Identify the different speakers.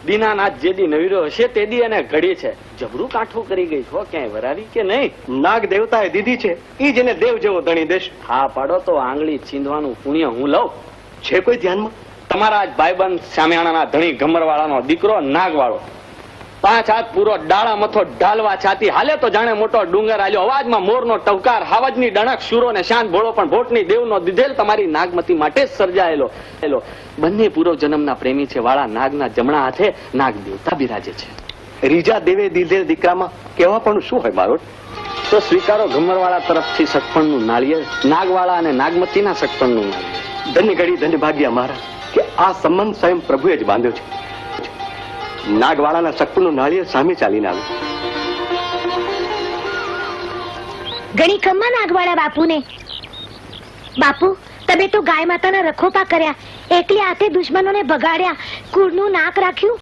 Speaker 1: દીનાનાથ જે દી નવીરો હશે તે દી એને ઘડી છે. જબરું કાઠું કરી ગઈ છો, ક્યાંય વરાવી કે નહીં?
Speaker 2: નાગ દેવતાએ દીધી છે, ઈ જ એને દેવ જેવો ધણી દેશ.
Speaker 1: હા પાડો તો આંગળી છીંધવાનું પુણ્ય હું લઉં.
Speaker 2: છે કોઈ ધ્યાનમાં?
Speaker 1: તમારા જ ભાઈબંધ સામિયાણાના ધણી ગમરવાળાનો દીકરો નાગવાળો 5 હાથ પૂરો ડાળા મથો ઢાલવા છાતી હાલે તો જાણે મોટો ડુંગર આલ્યો. અવાજમાં મોરનો ટવકાર, હાવજની ડણક, શુરો ને શાંત ભોળો પણ ભોટની દેવનો દીધેલ તમારી નાગમતી માટે જ સર્જાયેલો. બંને પૂર્વ જન્મના પ્રેમી છે. વાળા નાગના જમણા હાથે નાગ દેવતા બિરાજે છે.
Speaker 2: રીજા દેવે દીધેલ દીકરામાં કેવા પણ શું હોય મારો?
Speaker 1: તો સ્વીકારો ગમરવાળા તરફથી સગપણનું નાળિયેર, નાગવાળા અને નાગમતીના સગપણનું નાળિયેર.
Speaker 2: ધન્ય ઘડી ધન્ય ભાગ્ય અમારા કે આ સંબંધ સ્વયં પ્રભુએ જ બાંધ્યો છે. નાગવાળાના સગપણનું નાળિયેર સામે ચાલીને આવે.
Speaker 3: ઘણી ખમ્મા નાગવાળા બાપુને. બાપુ, તમે તો ગાય માતાના રખોપા કર્યા, એકલી હાથે દુશ્મનોને ભગાડ્યા, કુળનું નાક રાખ્યું,